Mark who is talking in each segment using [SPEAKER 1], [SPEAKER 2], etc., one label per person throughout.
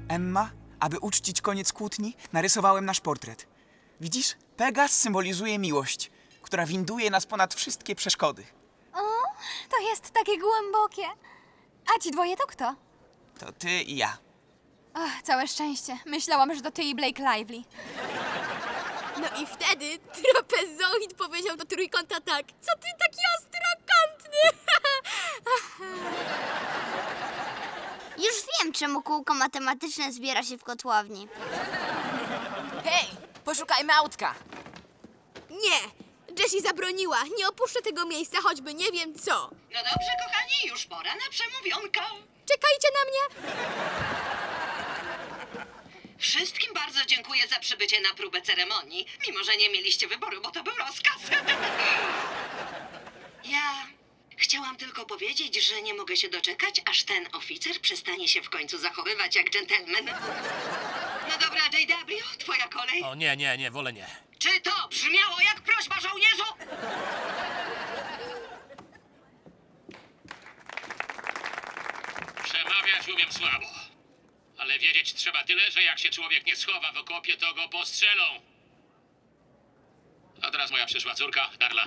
[SPEAKER 1] Emma, aby uczcić koniec kłótni, narysowałem nasz portret. Widzisz? Pegas symbolizuje miłość, która winduje nas ponad wszystkie przeszkody.
[SPEAKER 2] O, to jest takie głębokie. A ci dwoje to kto?
[SPEAKER 1] To ty i ja.
[SPEAKER 2] Ach, całe szczęście. Myślałam, że to ty i Blake Lively.
[SPEAKER 3] No i wtedy trapezoid powiedział do trójkąta tak: co ty taki ostrokątny?
[SPEAKER 4] Już wiem, czemu kółko matematyczne zbiera się w kotłowni.
[SPEAKER 5] Hej, poszukajmy autka.
[SPEAKER 3] Nie, Jessie zabroniła. Nie opuszczę tego miejsca, choćby nie wiem co.
[SPEAKER 6] No dobrze, kochani, już pora na przemówionkę.
[SPEAKER 3] Czekajcie na mnie.
[SPEAKER 6] Wszystkim bardzo dziękuję za przybycie na próbę ceremonii, mimo że nie mieliście wyboru, bo to był rozkaz. Ja chciałam tylko powiedzieć, że nie mogę się doczekać, aż ten oficer przestanie się w końcu zachowywać jak dżentelmen. No dobra, JW, twoja kolej.
[SPEAKER 7] O nie, wolę nie.
[SPEAKER 6] Czy to brzmiało jak prośba żołnierzu?
[SPEAKER 7] Przemawiać umiem słabo. Ale wiedzieć trzeba tyle, że jak się człowiek nie schowa w okopie, to go postrzelą. A teraz moja przyszła córka, Darla.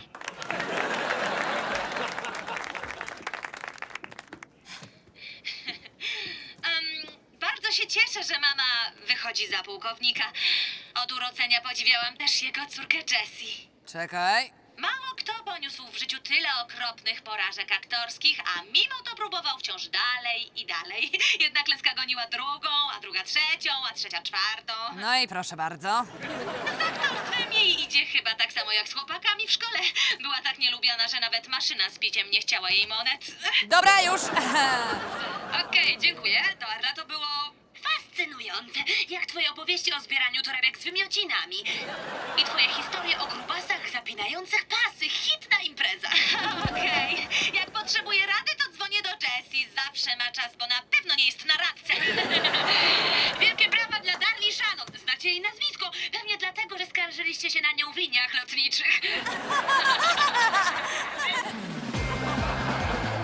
[SPEAKER 8] Bardzo się cieszę, że mama wychodzi za pułkownika. Od urodzenia podziwiałam też jego córkę Jessie.
[SPEAKER 5] Czekaj.
[SPEAKER 8] Mało kto poniósł w życiu tyle okropnych porażek aktorskich, a mimo to próbował wciąż dalej i dalej. Jedna klęska goniła drugą, a druga trzecią, a trzecia czwartą.
[SPEAKER 5] No i proszę bardzo.
[SPEAKER 8] Z aktorstwem jej idzie chyba tak samo jak z chłopakami w szkole. Była tak nielubiana, że nawet maszyna z piciem nie chciała jej monet.
[SPEAKER 5] Dobra, już.
[SPEAKER 8] Okej, dziękuję. Darla, to było fascynujące. Jak twoje opowieści o zbieraniu torebek z wymiocinami. I twoje historie o grubasach zapinających pasy. Hit na imprezach. Okej. Jak potrzebuję rady, to dzwonię do Jessie. Zawsze ma czas, bo na pewno nie jest na radce. Wielkie brawa dla Darli Shannon. Znacie jej nazwisko. Pewnie dlatego, że skarżyliście się na nią w liniach lotniczych.